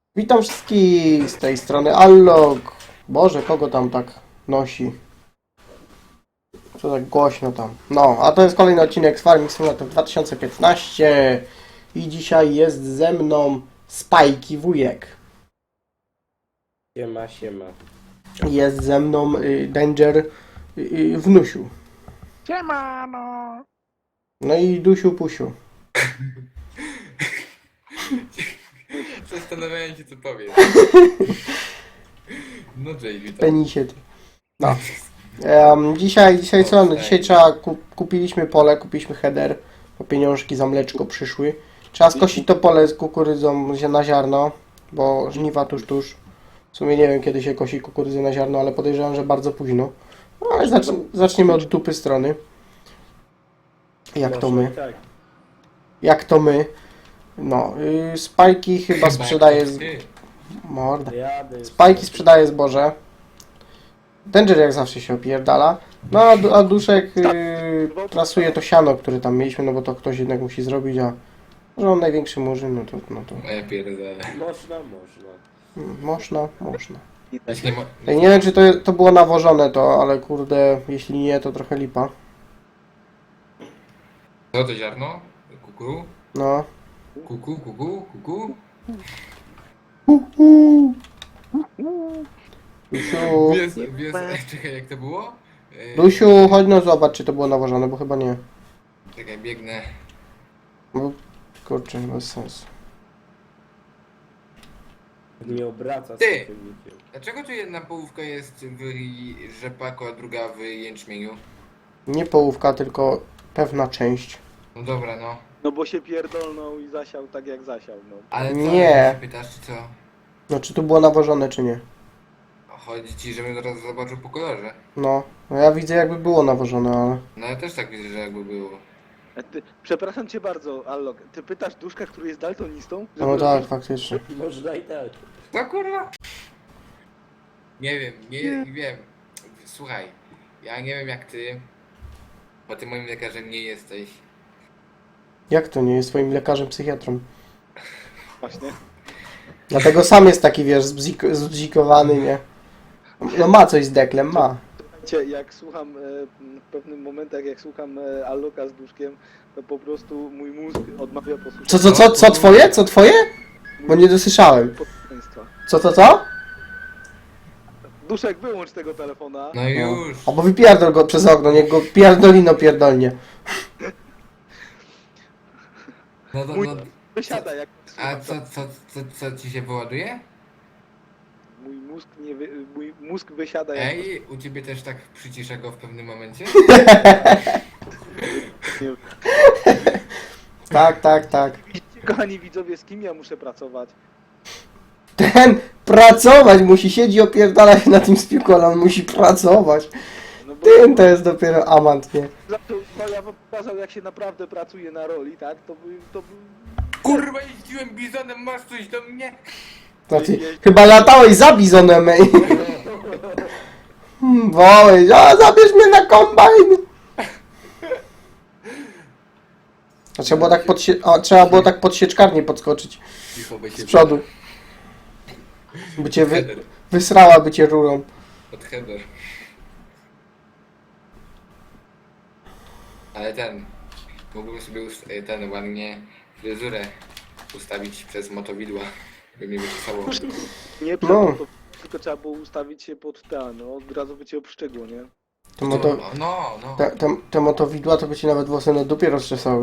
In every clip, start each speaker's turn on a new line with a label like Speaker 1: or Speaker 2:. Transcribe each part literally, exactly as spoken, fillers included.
Speaker 1: Witam wszystkich z tej strony Allog. Boże, kogo tam tak nosi? Co tak głośno tam? No, a to jest kolejny odcinek z Farming Simulator dwa tysiące piętnaście i dzisiaj jest ze mną Spajki wujek.
Speaker 2: Siema, siema.
Speaker 1: Jest ze mną y, Danger y, y, wnusiu.
Speaker 3: Siemano!
Speaker 1: No i Dusiu Pusiu.
Speaker 4: Zastanawiałem się, co powiem. No Jay, witam.
Speaker 1: Penisie ty. No. Um, dzisiaj, dzisiaj co? No, dzisiaj trzeba, kup, kupiliśmy pole, kupiliśmy header, bo pieniążki za mleczko przyszły. Trzeba skosić to pole z kukurydzą na ziarno, bo żniwa tuż, tuż. W sumie nie wiem, kiedy się kosi kukurydzę na ziarno, ale podejrzewam, że bardzo późno. No, ale zacz, zaczniemy od dupy strony. Jak to my?
Speaker 2: Tak.
Speaker 1: Jak to my? No, yy, Spajki chyba sprzedaje z...
Speaker 4: Ty.
Speaker 1: Morda.
Speaker 2: Jadę.
Speaker 1: Spajki sprzedaje zboże. Danger jak zawsze się opierdala. No a, du- a Duszek yy, trasuje to siano, które tam mieliśmy, no bo to ktoś jednak musi zrobić, a że on największy murzyn, no to, no to
Speaker 4: No ja pierdolę.
Speaker 2: Można, można.
Speaker 1: mm, można, można.
Speaker 4: Jeśli nie mo-
Speaker 1: Ja nie wiem, czy to, to było nawożone to, ale kurde, jeśli nie, to trochę lipa.
Speaker 4: Co to ziarno? Kuku?
Speaker 1: No.
Speaker 4: Kuku, kuku, kuku?
Speaker 1: Uhu. Dusiu,
Speaker 4: Wiesz, wiesz, czekaj, jak to było? E,
Speaker 1: Dusiu, chodź no zobacz, czy to było nawożone, bo chyba nie.
Speaker 4: Czekaj, biegnę.
Speaker 1: Bo, kurczę, bez sensu.
Speaker 2: Nie obraca z
Speaker 4: Ty!
Speaker 2: tym nikiem.
Speaker 4: Dlaczego tu jedna połówka jest w rzepaku, a druga w jęczmieniu?
Speaker 1: Nie połówka, tylko pewna część.
Speaker 4: No dobra, no.
Speaker 3: No bo się pierdolnął i zasiał tak jak zasiał, no.
Speaker 4: Ale co,
Speaker 1: Nie.
Speaker 4: jak się pytasz, czy co?
Speaker 1: No, czy to było nawożone, czy nie?
Speaker 4: Chodzi ci, żebym zaraz zobaczył po kolorze.
Speaker 1: No, no ja widzę jakby było nawożone, ale...
Speaker 4: No ja też tak widzę, że jakby było.
Speaker 3: A ty, przepraszam cię bardzo, Allok, ty pytasz Duszka, który jest daltonistą?
Speaker 1: No tak, faktycznie.
Speaker 2: Można i tak.
Speaker 4: Co kurwa? Nie wiem, nie, nie wiem. Słuchaj, ja nie wiem jak ty, bo ty moim lekarzem nie jesteś.
Speaker 1: Jak to nie jest swoim lekarzem, psychiatrą?
Speaker 3: Właśnie.
Speaker 1: Dlatego sam jest taki, wiesz, zbzik- zbzikowany, nie? No ma coś z deklem, ma.
Speaker 3: Cię, jak słucham, e, w pewnym momentach, jak słucham e, Alloka z Duszkiem, to po prostu mój mózg odmawia posłuszeństwa.
Speaker 1: Co, co, co, co twoje? Co twoje? Bo nie dosłyszałem.
Speaker 3: Posłuszeństwa.
Speaker 1: Co, co, co?
Speaker 3: Duszek, wyłącz tego telefona.
Speaker 4: No już.
Speaker 1: Albo wypierdol go przez okno, niech go pierdolino pierdolnie.
Speaker 4: No to,
Speaker 3: Mój
Speaker 4: no,
Speaker 3: wysiada, jak
Speaker 4: a
Speaker 3: słucham.
Speaker 4: co, co, co, co ci się wyładuje?
Speaker 3: Mój mózg nie wy, mój mózg wysiada jak...
Speaker 4: Ej, u ciebie też tak przycisza go w pewnym momencie?
Speaker 1: Tak, tak, tak.
Speaker 3: Kochani widzowie, z kim ja muszę pracować?
Speaker 1: Ten pracować musi, siedzi opierdala się na tym spiłku, ale on musi pracować.
Speaker 3: No bo
Speaker 1: Ten to jest dopiero amant, nie?
Speaker 3: zaczął, no ja wam pokazał, jak się naprawdę pracuje na roli, tak? To by, to by...
Speaker 4: Kurwa, jeździłem bizonem, masz coś do mnie?
Speaker 1: Znaczy, chyba latałeś za bizonem, ej. Hmm, Wołeś, a zabierz mnie na kombajn. A trzeba było tak pod, sie- a, trzeba było tak pod sieczkarnię podskoczyć
Speaker 4: Cicho, by się
Speaker 1: z przodu. By cię wy,
Speaker 4: Header.
Speaker 1: wysrała, by cię rurą.
Speaker 4: Od header. Ale ten, mógłbym sobie ust- ten ładnie fryzurę ustawić przez motowidła, by mnie wyczesało.
Speaker 3: Nie
Speaker 1: No.
Speaker 3: no. to, tylko trzeba było ustawić się pod ten, no od razu by cię obszczegło, nie?
Speaker 1: To moto,
Speaker 4: No, no, no.
Speaker 1: te, te, te motowidła to by ci nawet włosy na dupie rozczesały.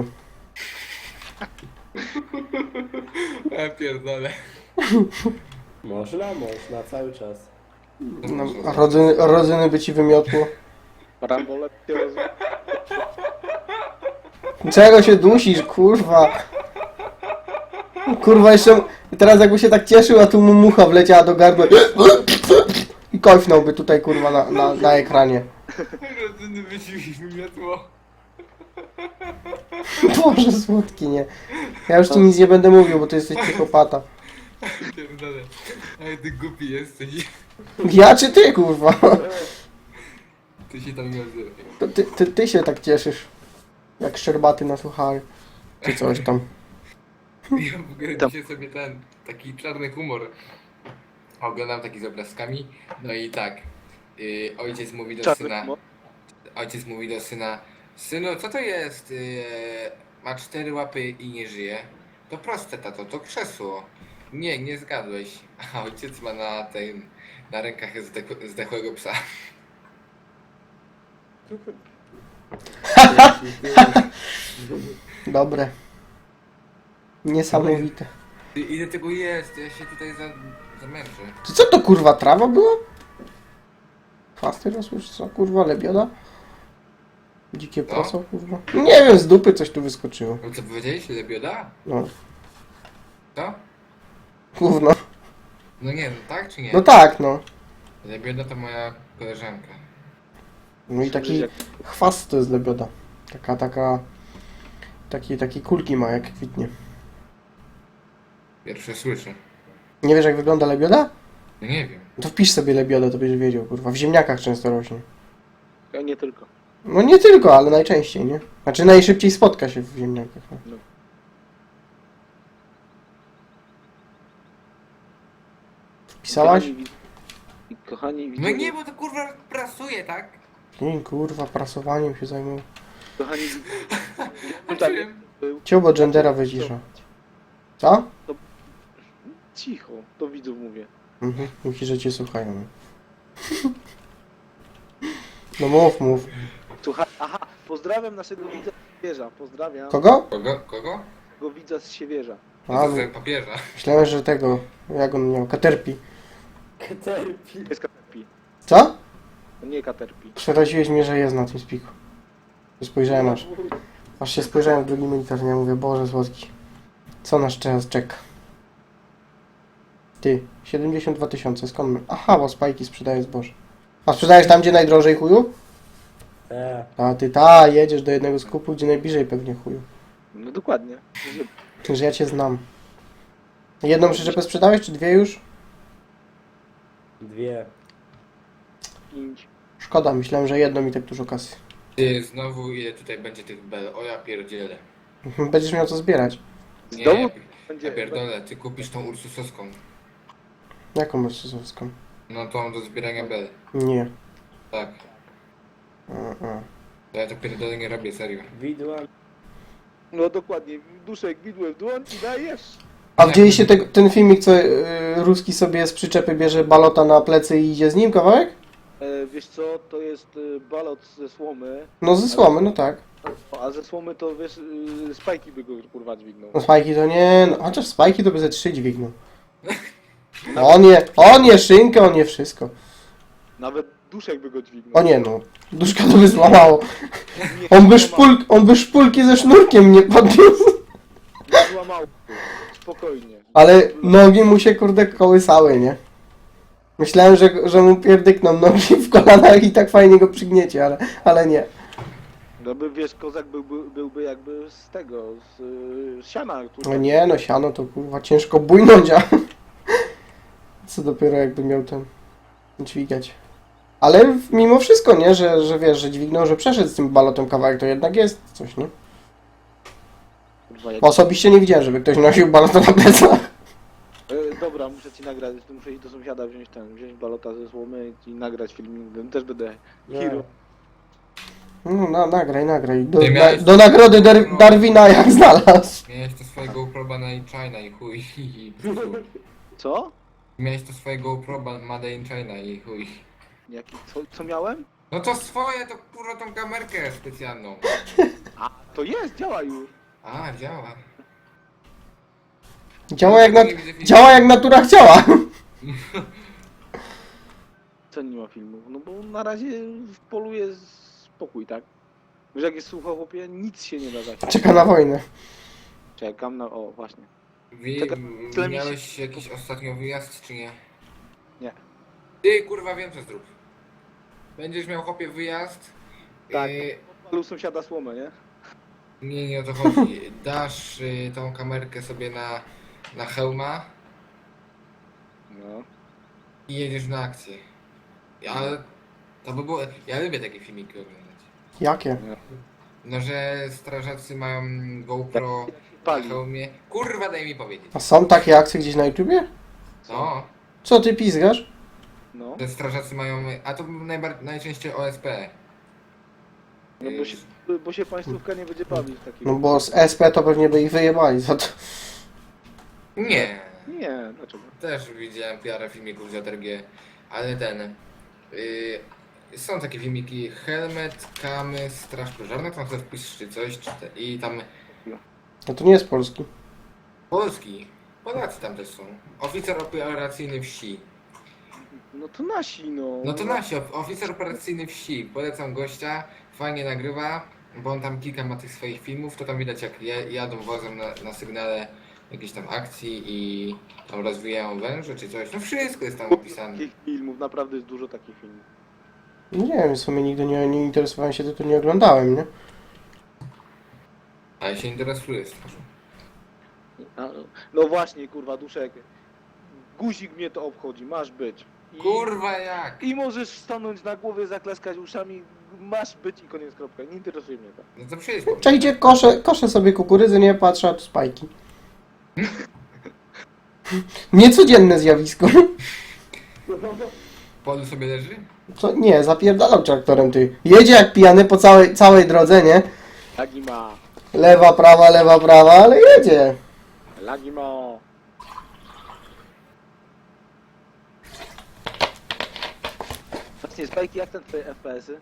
Speaker 4: Ja pierdolę.
Speaker 2: Można, można, cały czas.
Speaker 1: No, a rodzyny, rodzyny by ci wymiotło.
Speaker 3: Parambole się roz...
Speaker 1: Czego się dusisz, kurwa? Kurwa, jeszcze teraz jakby się tak cieszył, a tu mu mucha wleciała do gardła i kojfnąłby tutaj, kurwa, na, na, na ekranie.
Speaker 4: Rodzyny by ci wymiotło.
Speaker 1: Boże, słodki, nie. Ja już tu nic nie będę mówił, bo ty jesteś psychopata.
Speaker 4: Pierdolę. Ale ty głupi jesteś.
Speaker 1: Ja czy ty, kurwa?
Speaker 4: Ty się tam nie odzywaj.
Speaker 1: To ty, ty, ty się tak cieszysz. Jak szczerbaty na suchary. Czy coś tam.
Speaker 4: Ja w ogóle
Speaker 3: Tam.
Speaker 4: dzisiaj sobie ten, taki czarny humor oglądam taki z obrazkami, no i tak, yy, ojciec mówi do
Speaker 3: Czarny
Speaker 4: syna,
Speaker 3: humor.
Speaker 4: ojciec mówi do syna, synu, co to jest, yy, ma cztery łapy i nie żyje? To proste, tato, to krzesło. Nie, nie zgadłeś. A ojciec ma na tej, na rękach zdech, zdechłego psa.
Speaker 1: Dobre. Niesamowite.
Speaker 4: Ty, ile tego jest? Ja się tutaj za, zamęczę.
Speaker 1: Czy co to kurwa, trawa była? Chwasty rosły, czy co kurwa, lebioda? Dzikie
Speaker 4: No.
Speaker 1: proso kurwa. Nie wiem, z dupy coś tu wyskoczyło.
Speaker 4: No co powiedziałeś? Lebioda?
Speaker 1: No,
Speaker 4: Co?
Speaker 1: gówno.
Speaker 4: No nie, no tak czy nie?
Speaker 1: No tak, no.
Speaker 4: Lebioda to moja koleżanka.
Speaker 1: No i taki chwast to jest lebioda. Taka, taka... Takie, takie kulki ma, jak kwitnie.
Speaker 4: Pierwsze słyszę.
Speaker 1: Nie wiesz, jak wygląda lebioda?
Speaker 4: No nie wiem.
Speaker 1: To wpisz sobie lebiodę, to będziesz wiedział, kurwa. W ziemniakach często rośnie.
Speaker 3: Ja nie tylko.
Speaker 1: No nie tylko, ale najczęściej, nie? Znaczy najszybciej spotka się w ziemniakach. No.
Speaker 3: No.
Speaker 1: Wpisałaś?
Speaker 3: Kochani, wi- kochani
Speaker 4: No
Speaker 3: widzowie,
Speaker 4: nie, bo to kurwa prasuje, tak?
Speaker 1: Nie, kurwa, prasowaniem się zajmują.
Speaker 3: kochani widzowie,
Speaker 4: A
Speaker 3: tak,
Speaker 4: czym?
Speaker 3: był.
Speaker 1: Ciąbo gendera wycisza. Co?
Speaker 3: Cicho, do widzów mówię.
Speaker 1: Mhm, myślisz, że cię słuchają. no. No mów, mów.
Speaker 3: Słuchaj, aha, pozdrawiam naszego widza z Siewierza, pozdrawiam
Speaker 1: Kogo?
Speaker 4: Kogo? Kogo?
Speaker 3: tego widza z Siewierza.
Speaker 1: A,
Speaker 4: No to
Speaker 1: no,
Speaker 4: sobie papieża.
Speaker 1: myślałem, że tego, jak on miał, Caterpie.
Speaker 2: Caterpie.
Speaker 3: Jest Caterpie,
Speaker 1: Co?
Speaker 3: to nie Caterpie.
Speaker 1: Przeraziłeś mnie, że jest na tym spiku. Spojrzałem aż, aż się spojrzałem w drugi monitor, nie mówię, Boże słodki. Co nas teraz czeka? Ty, siedemdziesiąt dwa tysiące, skąd my? Aha, bo spajki sprzedaje zboże. A sprzedajesz tam, gdzie najdrożej chuju?
Speaker 2: E,
Speaker 1: A ty ta, jedziesz do jednego skupu, gdzie najbliżej pewnie chuju.
Speaker 3: No dokładnie. Że-
Speaker 1: Że ja cię znam. Jedną przyczepę sprzedałeś, czy dwie już?
Speaker 2: dwie.
Speaker 3: Pięć.
Speaker 1: Szkoda, myślałem, że jedną i tak dużo kasy.
Speaker 4: Ty, znowu ile tutaj będzie tych bel? O ja pierdzielę.
Speaker 1: Będziesz miał co zbierać.
Speaker 4: Nie,
Speaker 3: Znowu
Speaker 4: ja,
Speaker 3: będzie...
Speaker 4: ja pierdolę, ty kupisz tą Ursusowską.
Speaker 1: Jaką masz sosowską?
Speaker 4: No tą do zbierania bel.
Speaker 1: Nie.
Speaker 4: Tak.
Speaker 1: A, a.
Speaker 4: To ja to pierdolę nie robię, serio.
Speaker 2: Widła.
Speaker 3: No dokładnie, duszek, widłem w dłoń i dajesz.
Speaker 1: A widzieliście te, ten filmik, co y, Ruski sobie z przyczepy bierze balota na plecy i idzie z nim kawałek?
Speaker 3: E, wiesz co, to jest e, balot ze słomy,
Speaker 1: No ze słomy, no tak.
Speaker 3: a ze słomy to wiesz, e, spajki by go kurwa dźwignął.
Speaker 1: No spajki to nie, no, chociaż spajki to by ze trzy dźwignął. No on je, on je szynkę, on je wszystko.
Speaker 3: Nawet duszek by go dźwignął.
Speaker 1: O nie no, duszka to by złamało.
Speaker 3: Nie
Speaker 1: On by,
Speaker 3: złamał.
Speaker 1: szpul, on by szpulki ze sznurkiem nie podniósł.
Speaker 3: Nie złamał. Spokojnie.
Speaker 1: Ale nogi mu się kurde kołysały, nie? Myślałem, że, że mu pierdykną nogi w kolanach i tak fajnie go przygniecie, ale, ale nie.
Speaker 3: No by wiesz, kozak byłby, byłby jakby z tego, z, y, z siana. który-
Speaker 1: No nie, no siano to kurwa ciężko bujnąć, a co dopiero jakby miał ten dźwigać. Ale mimo wszystko, nie, że, że wiesz, że dźwignął, że przeszedł z tym balotem kawałek, to jednak jest coś, nie?
Speaker 3: Kurwa, jak...
Speaker 1: Osobiście nie widziałem, żeby ktoś nosił balota na plecach.
Speaker 3: e, dobra, muszę ci nagrać, muszę iść do sąsiada wziąć ten, wziąć balota ze słomy i nagrać filmik, też będę hero.
Speaker 1: No, na, nagraj, nagraj. Do,
Speaker 4: Ty
Speaker 1: na,
Speaker 4: miałeś-
Speaker 1: do nagrody Dar Darwina jak znalazł.
Speaker 4: Miałeś to swoje GoPro Made in China i chuj. I
Speaker 3: Co?
Speaker 4: Miałeś to swoje GoPro Made in China i chuj.
Speaker 3: Jaki, co, co miałem?
Speaker 4: No to swoje, to kurwa tą kamerkę specjalną.
Speaker 3: A, to jest, działa już.
Speaker 4: A, działa.
Speaker 1: Działa jak, na, działa jak natura chciała.
Speaker 3: Co nie ma filmu? No bo na razie w polu jest spokój, tak? Wiesz jak jest sucho, chłopie, nic się nie da zasiać.
Speaker 1: Czeka na wojnę.
Speaker 3: Czekam na... o, właśnie.
Speaker 4: Wi-
Speaker 3: Czekaj,
Speaker 4: m-
Speaker 3: tyle mi się-
Speaker 4: miałeś jakiś ostatnio wyjazd, czy nie?
Speaker 3: Nie.
Speaker 4: Ty, kurwa, wiem co zrób. Będziesz miał chłopie wyjazd.
Speaker 3: Tak.
Speaker 4: y,
Speaker 3: Palu sąsiada słomę, nie?
Speaker 4: nie, nie o to chodzi. Dasz y, tą kamerkę sobie na, na hełma
Speaker 3: No.
Speaker 4: i jedziesz na akcję. Ale to by było... Ja lubię takie filmiki oglądać.
Speaker 1: Jakie?
Speaker 4: No, że strażacy mają GoPro
Speaker 3: pali.
Speaker 4: Na hełmie. Kurwa, daj mi powiedzieć.
Speaker 1: A są takie akcje gdzieś na YouTubie?
Speaker 4: No,
Speaker 1: Co ty pizgasz?
Speaker 3: No,
Speaker 4: te strażacy mają... A to najbar... najczęściej O S P.
Speaker 3: no bo, się, bo się państwówka nie będzie bawić w takim.
Speaker 1: No bo z S P to pewnie by ich wyjebali za to.
Speaker 4: Nie.
Speaker 3: Nie, dlaczego?
Speaker 4: Też widziałem parę filmików z J R G, ale ten... Yy, są takie filmiki Helmet, Kamy, Straż Pożarna, tam sobie wpisz czy coś, czy te, i tam
Speaker 1: No to nie jest polski.
Speaker 4: Polski, Polacy tam też są. Oficer operacyjny wsi.
Speaker 3: No to nasi, no.
Speaker 4: No to nasi, of- oficer operacyjny wsi. Polecam gościa, fajnie nagrywa, bo on tam kilka ma tych swoich filmów, to tam widać jak je- jadą wozem na, na sygnale jakiejś tam akcji i tam rozwijają węże czy coś. No wszystko jest tam opisane.
Speaker 3: Takich filmów, naprawdę jest dużo takich filmów.
Speaker 1: No nie wiem, w sumie nigdy nie, nie interesowałem się, to nie oglądałem, nie?
Speaker 4: A ja się interesuję strażą.
Speaker 3: A, no właśnie, kurwa, Duszek. Guzik mnie to obchodzi, masz być. I,
Speaker 4: Kurwa jak?
Speaker 3: I możesz stanąć na głowie, zaklaskać uszami, masz być i koniec, kropka. Nie interesuje mnie to.
Speaker 4: No to przyjedź po mnie.
Speaker 1: Czekajcie, koszę, koszę sobie kukurydzy, nie patrzę, a tu spajki. Niecodzienne zjawisko.
Speaker 4: Polu sobie leży?
Speaker 1: Co? Nie, zapierdalał traktorem ty. Jedzie jak pijany po całej, całej drodze, nie?
Speaker 3: Lagi ma,
Speaker 1: Lewa, prawa, lewa, prawa, ale jedzie.
Speaker 3: lagi ma. Właśnie, Spajki, jak ten twoje F P S-y?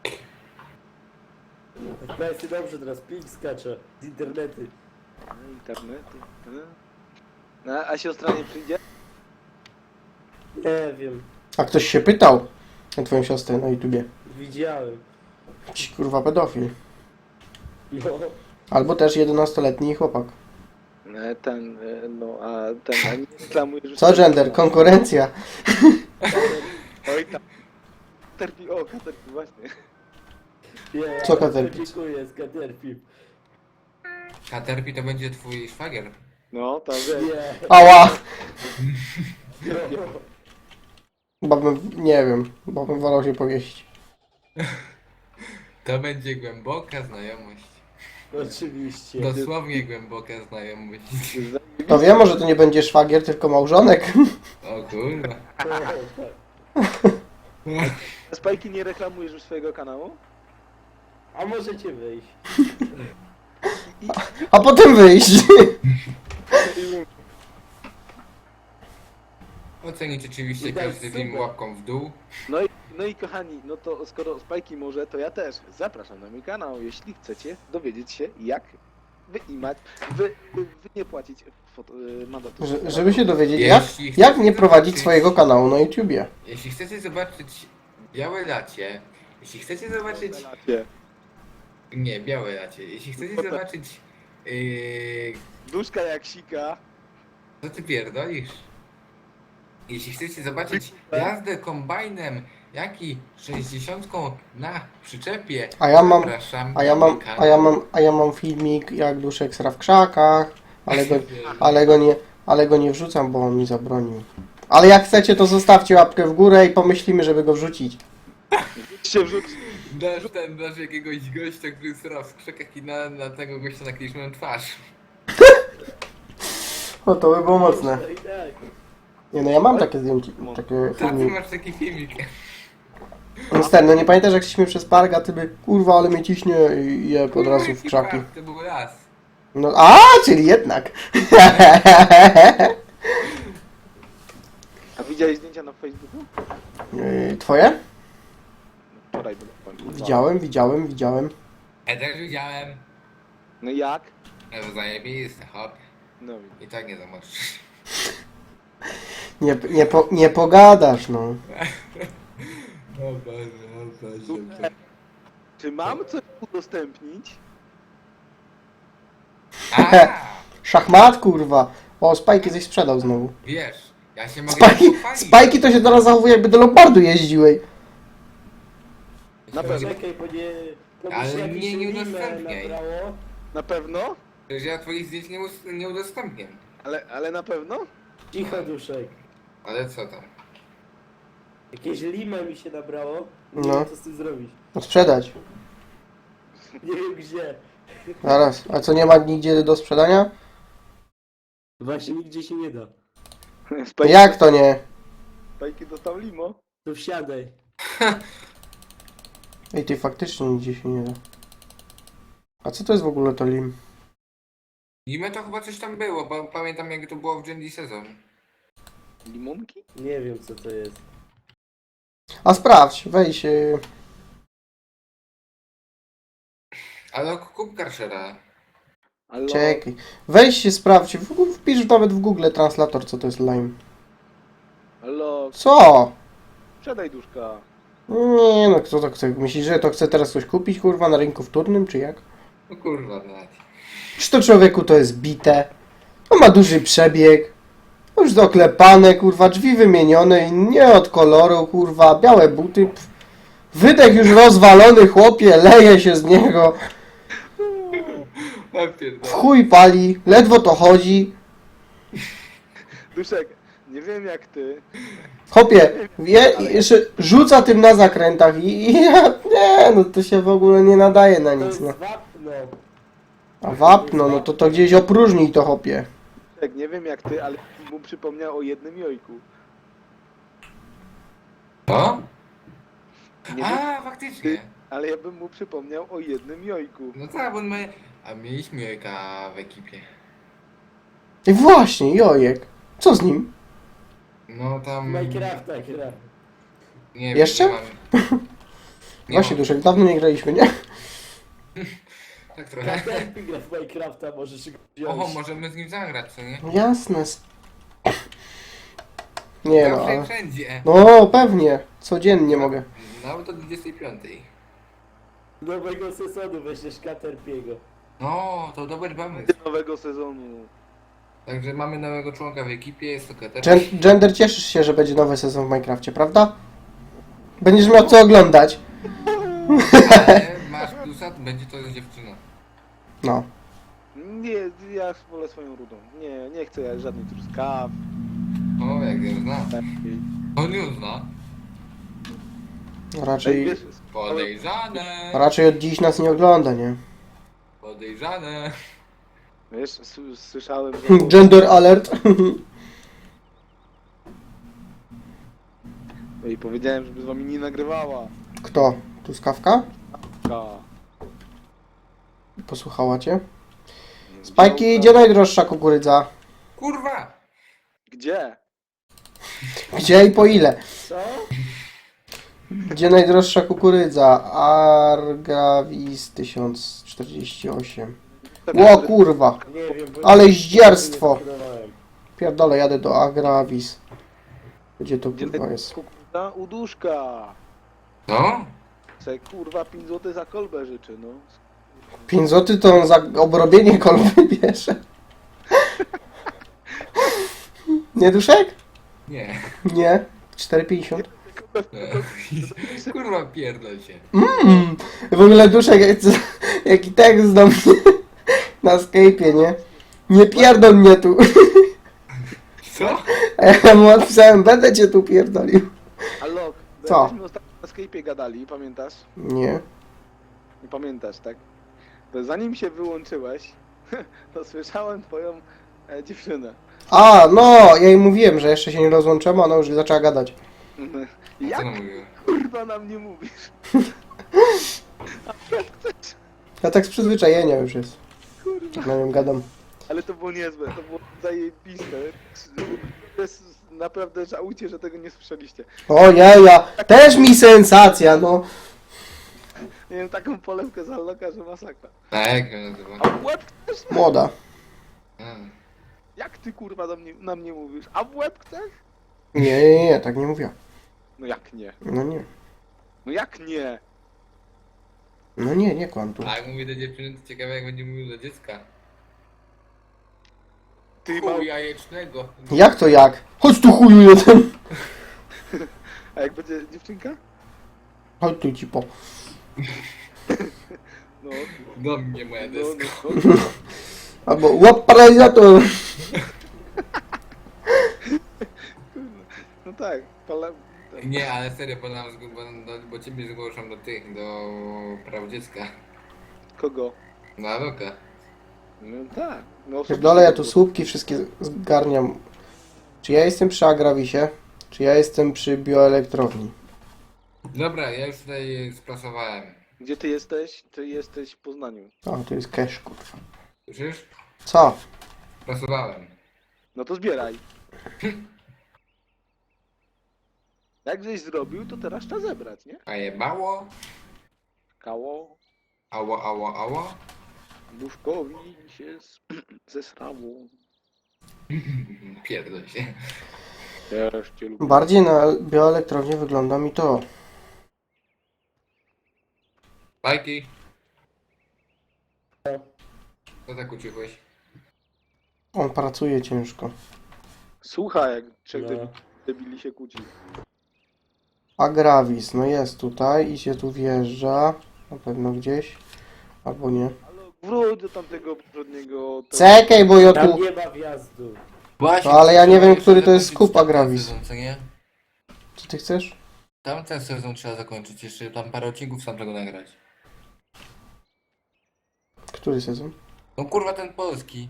Speaker 2: F P S-y dobrze, teraz ping skacze z internety.
Speaker 3: No, internety. No. No, a siostra nie przyjdzie?
Speaker 2: Nie wiem,
Speaker 1: A ktoś się pytał na twoją siostrę na YouTubie.
Speaker 2: widziałem.
Speaker 1: Jakiś kurwa pedofil.
Speaker 2: No,
Speaker 1: Albo też jedenastoletni chłopak.
Speaker 3: E, Ten, e, no, a ten, a nie reklamujesz...
Speaker 1: Co gender? Konkurencja.
Speaker 3: Oj tam. Terpi, o, terpi, właśnie.
Speaker 2: nie,
Speaker 1: Co Caterpie?
Speaker 2: Dziękuję, z Caterpie.
Speaker 4: Caterpie to będzie twój szwagier.
Speaker 3: No, to wiesz.
Speaker 2: Nie,
Speaker 1: Ała!
Speaker 2: no.
Speaker 1: Chyba bym, nie wiem, bo bym wolał się powiesić.
Speaker 4: To będzie głęboka znajomość.
Speaker 2: Oczywiście.
Speaker 4: Dosłownie głęboka znajomość.
Speaker 1: To wiem, może to nie będzie szwagier, tylko małżonek.
Speaker 4: O kurwa.
Speaker 2: O, tak.
Speaker 3: Spajki, nie reklamujesz już swojego kanału?
Speaker 2: A możecie wyjść.
Speaker 1: A potem wyjść.
Speaker 4: Ocenić oczywiście
Speaker 2: I tak
Speaker 4: każdy film
Speaker 2: super.
Speaker 4: łapką w dół.
Speaker 3: No i, no i kochani, no to skoro Spajki może, to ja też zapraszam na mój kanał, jeśli chcecie dowiedzieć się, jak wyimać, wy, wy, wy nie płacić foto, y, mandatu.
Speaker 1: Że- Żeby się dowiedzieć, jak,
Speaker 4: Jeśli
Speaker 1: jak
Speaker 4: chcecie
Speaker 1: nie prowadzić
Speaker 4: zobaczyć-
Speaker 1: swojego kanału na YouTubie.
Speaker 4: Jeśli chcecie zobaczyć białe lacie, jeśli chcecie zobaczyć...
Speaker 3: Relacie.
Speaker 4: Nie, białe lacie. Jeśli chcecie
Speaker 3: Potem-
Speaker 4: zobaczyć... Yy,
Speaker 3: Duszka jak sika.
Speaker 4: co ty pierdolisz? Jeśli chcecie zobaczyć jazdę kombajnem, jak i sześćdziesiątką na przyczepie,
Speaker 1: A ja mam-
Speaker 4: zapraszam
Speaker 1: A ja
Speaker 4: na
Speaker 1: mam,
Speaker 4: mój kanał.
Speaker 1: a ja mam, a ja mam filmik, jak duszek sra w krzakach, ale go, ale go nie, ale go nie wrzucam, bo on mi zabronił. Ale jak chcecie, to zostawcie łapkę w górę i pomyślimy, żeby go wrzucić.
Speaker 3: Się wrzuć.
Speaker 4: Dasz ten, dasz jakiegoś gościa, który sra w krzakach i na, na tego gościa nakliczmy twarz.
Speaker 1: O, to by było mocne.
Speaker 2: No i tak.
Speaker 1: Nie no, ja mam takie zdjęcie, takie
Speaker 4: Tak, ty
Speaker 1: filmiki.
Speaker 4: masz taki filmik.
Speaker 1: Niestety, no nie pamiętasz jak szliśmy przez park, a ty by, kurwa, ale mnie ciśnie i je od razu w krzaki.
Speaker 4: To był las.
Speaker 1: No, a, czyli jednak.
Speaker 3: A widziałeś zdjęcia na Facebooku?
Speaker 1: Yy, Twoje?
Speaker 3: Wczoraj było. powiem.
Speaker 1: Widziałem, widziałem, widziałem.
Speaker 4: Ja też widziałem.
Speaker 3: No jak?
Speaker 4: No zajebiste, hop.
Speaker 3: No
Speaker 4: I tak nie zamoczysz.
Speaker 1: Nie, nie, po, nie pogadasz, no.
Speaker 4: O Boże, o Boże.
Speaker 3: Czy mam coś udostępnić?
Speaker 4: A,
Speaker 1: Szachmat, kurwa. O, Spajki coś sprzedał znowu.
Speaker 4: wiesz, ja się mogę
Speaker 1: Spajki,
Speaker 4: pochwalić.
Speaker 1: spajki to się teraz zachowuje, jakby do Lombardu jeździłej.
Speaker 4: Ja się
Speaker 3: Na pewno.
Speaker 4: mogę-
Speaker 2: Czekaj, bo nie... To
Speaker 4: Ale
Speaker 2: by się jakieś
Speaker 4: nie, nie
Speaker 2: limę
Speaker 4: udostępniaj.
Speaker 2: nabrało.
Speaker 3: Na pewno?
Speaker 4: Że ja twoich zdjęć nie, us- nie udostępnię.
Speaker 3: Ale, ale na pewno?
Speaker 2: Cicho, duszek.
Speaker 4: Ale co tam?
Speaker 2: Jakieś limę mi się nabrało. Nie
Speaker 1: No.
Speaker 2: wiem, co z tym zrobić.
Speaker 1: No sprzedać.
Speaker 2: Nie wiem gdzie.
Speaker 1: Zaraz, a co nie ma nigdzie do sprzedania?
Speaker 2: Właśnie nigdzie się nie da.
Speaker 3: Spajki,
Speaker 1: Jak to nie?
Speaker 3: Spajki dostał limo.
Speaker 2: To wsiadaj.
Speaker 1: Ej, ty faktycznie nigdzie się nie da. A co to jest w ogóle to lim?
Speaker 4: Limę to chyba coś tam było, bo pamiętam jak to było w Gendy sezon.
Speaker 3: Limonki?
Speaker 2: Nie wiem co to jest.
Speaker 1: A sprawdź, wejdź. y,
Speaker 4: Ale kup Karszera.
Speaker 3: Allo,
Speaker 1: Czekaj. Wejdź się sprawdź. W- Wpisz nawet w Google translator, co to jest lime.
Speaker 3: allo,
Speaker 1: Co?
Speaker 3: sprzedaj duszka.
Speaker 1: Nie no, kto to chce? Myślisz, że to chce teraz coś kupić, kurwa, na rynku wtórnym, czy jak?
Speaker 4: No kurwa, nawet.
Speaker 1: Czy to człowieku to jest bite? On ma duży przebieg. Już doklepane, kurwa, drzwi wymienione i nie od koloru, kurwa, białe buty. Pff. Wydech już rozwalony, chłopie, leje się z niego.
Speaker 4: Ja
Speaker 1: W
Speaker 4: pierdolę.
Speaker 1: chuj pali, ledwo to chodzi.
Speaker 3: Duszek, nie wiem jak ty.
Speaker 1: Chłopie, wie, jeszcze rzuca tym na zakrętach i, i ja, nie, no to się w ogóle nie nadaje na
Speaker 2: To
Speaker 1: nic,
Speaker 2: jest
Speaker 1: no.
Speaker 2: wapno.
Speaker 1: A wapno, no to to gdzieś opróżnij to, chłopie.
Speaker 3: Duszek, nie wiem jak ty, ale mu przypomniał o jednym jojku.
Speaker 4: Co?
Speaker 3: Nie wiem,
Speaker 4: A, faktycznie.
Speaker 3: ale ja bym mu przypomniał o jednym jojku.
Speaker 4: No tak, bo my... A mieliśmy jojka w ekipie.
Speaker 1: I właśnie, jojek. Co z nim?
Speaker 4: No tam...
Speaker 2: Minecrafta gra.
Speaker 4: Nie wiem,
Speaker 1: Jeszcze?
Speaker 4: nie mam... Nie
Speaker 1: Właśnie,
Speaker 4: mam.
Speaker 1: Duszek, dawno nie graliśmy, nie?
Speaker 4: Tak trochę.
Speaker 2: Każdy gra w Minecrafta, możesz go wziąć.
Speaker 4: Oho, możemy z nim zagrać, co nie?
Speaker 1: Jasne. s- Nie no,
Speaker 4: Zawsze i
Speaker 1: ale...
Speaker 4: wszędzie.
Speaker 1: No, pewnie. Codziennie mogę.
Speaker 4: Nawet do dwudziestej piątej.
Speaker 2: Nowego sezonu weźmiesz Caterpiego.
Speaker 4: No, to dobry pomysł.
Speaker 3: Nowego sezonu.
Speaker 4: Także mamy nowego członka w ekipie, jest to Kater.
Speaker 1: Gen Gender, cieszysz się, że będzie nowy sezon w Minecrafcie, prawda? Będziesz miał co oglądać.
Speaker 4: Ale masz plusa, będzie to dziewczyna.
Speaker 1: No.
Speaker 3: Nie, ja wolę swoją rudą. Nie, nie chcę ja żadnej truskaw.
Speaker 4: O, jak ją zna.
Speaker 3: takiej.
Speaker 4: On ją zna.
Speaker 3: Ej,
Speaker 1: Raczej,
Speaker 3: wiesz,
Speaker 4: Podejrzane.
Speaker 1: raczej od dziś nas nie ogląda, nie?
Speaker 4: Podejrzane.
Speaker 3: wiesz, s- słyszałem, że...
Speaker 1: Gender alert.
Speaker 3: I powiedziałem, żeby z wami nie nagrywała.
Speaker 1: Kto? Truskawka?
Speaker 3: Ka.
Speaker 1: Posłuchała cię? Spajki, gdzie najdroższa kukurydza?
Speaker 4: Kurwa!
Speaker 3: Gdzie?
Speaker 1: Gdzie i po ile?
Speaker 2: Co?
Speaker 1: Gdzie najdroższa kukurydza? Argavis tysiąc czterdzieści osiem. Ło kurwa,
Speaker 2: Nie wiem, bo...
Speaker 1: ale zdzierstwo.
Speaker 2: Nie zbudowałem.
Speaker 1: Pierdolę, jadę do Agravis. Gdzie to
Speaker 3: Gdzie
Speaker 1: kurwa
Speaker 3: ty
Speaker 1: jest?
Speaker 3: kukurydza? U duszka.
Speaker 4: No?
Speaker 3: Se kurwa pięć złotych za kolbę życzy, no.
Speaker 1: pięć złotych to on za obrobienie kolby bierze. Nie Duszek?
Speaker 4: Nie.
Speaker 1: Nie. cztery pięćdziesiąt.
Speaker 4: Nie. Kurwa, pierdol się.
Speaker 1: Mm. W ogóle Duszek, jak- jaki tekst do mnie na Skype'ie, nie? Nie pierdol mnie tu.
Speaker 4: Co?
Speaker 1: A ja mu odpisałem, będę cię tu pierdolił.
Speaker 3: Alok,
Speaker 1: Co?
Speaker 3: jakbyśmy ostatnio na Skype'ie gadali, pamiętasz?
Speaker 1: Nie.
Speaker 3: Nie pamiętasz, tak? To zanim się wyłączyłeś, to słyszałem twoją e, dziewczynę.
Speaker 1: A, no, ja jej mówiłem, że jeszcze się nie rozłączymy, a ona już zaczęła gadać.
Speaker 4: Co
Speaker 3: Jak
Speaker 4: ona mówiła?
Speaker 3: kurwa nam nie mówisz?
Speaker 1: Ja tak z przyzwyczajenia już jest.
Speaker 3: Kurwa.
Speaker 1: Tak na nią gadam.
Speaker 3: Ale to było niezłe, to było zajebiste. To jest naprawdę żałujcie, że tego nie słyszeliście.
Speaker 1: O ja, też mi sensacja, no.
Speaker 3: Nie wiem, taką polewkę z Alloka, że masakra.
Speaker 4: Tak, jak ją nazywa?
Speaker 3: A w łeb chcesz?
Speaker 1: Młoda.
Speaker 4: Mm.
Speaker 3: Jak ty kurwa do mnie, na mnie mówisz? A w łeb chcesz?
Speaker 1: Nie, nie, nie, tak nie mówiła.
Speaker 3: No jak nie?
Speaker 1: No nie.
Speaker 3: No jak nie?
Speaker 1: No nie, nie kłam tu.
Speaker 4: A jak mówię do dziewczyny, to ciekawe jak będzie mówił do dziecka.
Speaker 3: Ty mał...
Speaker 4: Chuj jajecznego.
Speaker 1: Jak to jak? Chodź tu chuju jeden.
Speaker 3: A jak będzie dziewczynka?
Speaker 1: Chodź tu ci po.
Speaker 3: No,
Speaker 4: Do mnie moja
Speaker 3: no,
Speaker 4: deska.
Speaker 3: no, no.
Speaker 1: Albo łap paralizator.
Speaker 3: No tak, pole...
Speaker 4: Nie, ale serio, bo, nam, zg- bo, no, bo ciebie zgłoszą do tych, do praw dziecka.
Speaker 3: Kogo?
Speaker 4: Na lukę.
Speaker 3: No tak. No,
Speaker 1: Pierdolę, ja tu słupki wszystkie zgarniam. Czy ja jestem przy Agravisie? Czy ja jestem przy bioelektrowni?
Speaker 4: Dobra, ja już tutaj sprasowałem.
Speaker 3: Gdzie ty jesteś? Ty jesteś w Poznaniu.
Speaker 1: O, to jest cash, kurwa.
Speaker 4: Słyszysz?
Speaker 1: Co?
Speaker 4: Sprasowałem.
Speaker 3: No to zbieraj. Jak żeś zrobił, to teraz trzeba zebrać, nie?
Speaker 4: A jebało?
Speaker 3: Kało,
Speaker 4: Ało, ało, ało?
Speaker 3: duszkowi się z- zesrało.
Speaker 4: Pierdol się.
Speaker 3: Też cię lubię.
Speaker 1: Bardziej na bioelektrownię wygląda mi to.
Speaker 4: Bajki. Co tak ucichłeś?
Speaker 1: On pracuje ciężko.
Speaker 3: Słuchaj, jak trzech
Speaker 2: No.
Speaker 3: debi- debili się kłóci.
Speaker 1: Agravis, no jest tutaj i się tu wjeżdża. Na pewno gdzieś. Albo nie.
Speaker 3: Ale wróć do tamtego poprzedniego... to-
Speaker 1: Czekaj, bo ja
Speaker 2: Tam
Speaker 1: tu...
Speaker 2: nie ma wjazdu.
Speaker 4: Właśnie,
Speaker 1: No, ale ja nie
Speaker 4: trzeba
Speaker 1: wiem,
Speaker 4: jeszcze
Speaker 1: który to jest
Speaker 4: zakończyć
Speaker 1: skup
Speaker 4: tamten
Speaker 1: Agravis.
Speaker 4: sezon, co nie?
Speaker 1: Co ty chcesz?
Speaker 4: Tamten sezon trzeba zakończyć, jeszcze tam parę odcinków sam tego nagrać.
Speaker 1: Który sezon?
Speaker 4: No kurwa ten polski.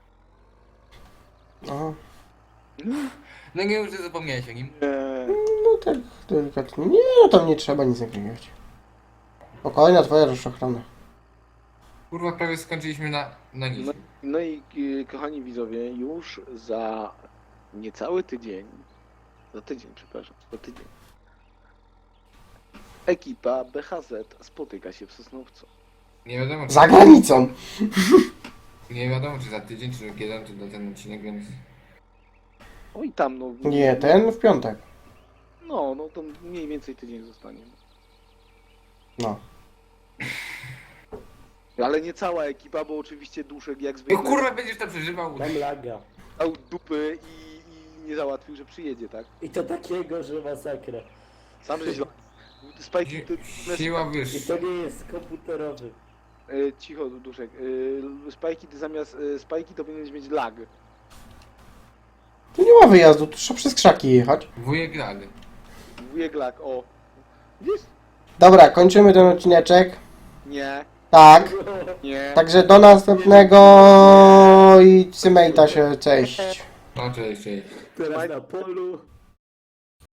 Speaker 1: Aha.
Speaker 4: No nie już zapomniałeś o nim.
Speaker 3: Nie.
Speaker 1: No tak, delikatnie. Nie, no tam nie trzeba nic nagrywać. Spokojna twoja rozszachrana.
Speaker 4: Kurwa prawie skończyliśmy na, na nic.
Speaker 3: No, no i y, kochani widzowie, już za niecały tydzień, za tydzień, przepraszam, za tydzień, ekipa B H Z spotyka się w Sosnowcu.
Speaker 4: Nie wiadomo czy,
Speaker 1: Za granicą!
Speaker 4: nie wiadomo czy za tydzień, czy kiedy to do ten odcinek, więc...
Speaker 3: Oj tam, no...
Speaker 1: Nie, ten w piątek.
Speaker 3: No, no to mniej więcej tydzień zostanie.
Speaker 1: No.
Speaker 3: Ale nie cała ekipa, bo oczywiście Duszek jak
Speaker 4: No
Speaker 3: zwykle
Speaker 4: kurwa będziesz to przeżywał.
Speaker 2: Mam laga.
Speaker 3: dał dupy i, i nie załatwił, że przyjedzie, tak?
Speaker 2: I to takiego, że masakra.
Speaker 3: Sam żeś... Spajki,
Speaker 4: Si-
Speaker 3: ty...
Speaker 4: Siła
Speaker 2: I
Speaker 4: wyższa.
Speaker 2: to nie jest komputerowy.
Speaker 3: E, cicho, Duszek. E, Spajki, ty zamiast e, spajki to powinieneś mieć lag.
Speaker 1: Tu nie ma wyjazdu, tu trzeba przez krzaki jechać.
Speaker 4: Wujek lag.
Speaker 3: Wujek lag, o. Widzisz?
Speaker 1: Dobra, kończymy ten odcineczek.
Speaker 3: Nie,
Speaker 1: Tak.
Speaker 3: nie.
Speaker 1: Także do następnego i cymejta się, cześć.
Speaker 4: No cześć, cześć.
Speaker 2: Teraz na polu.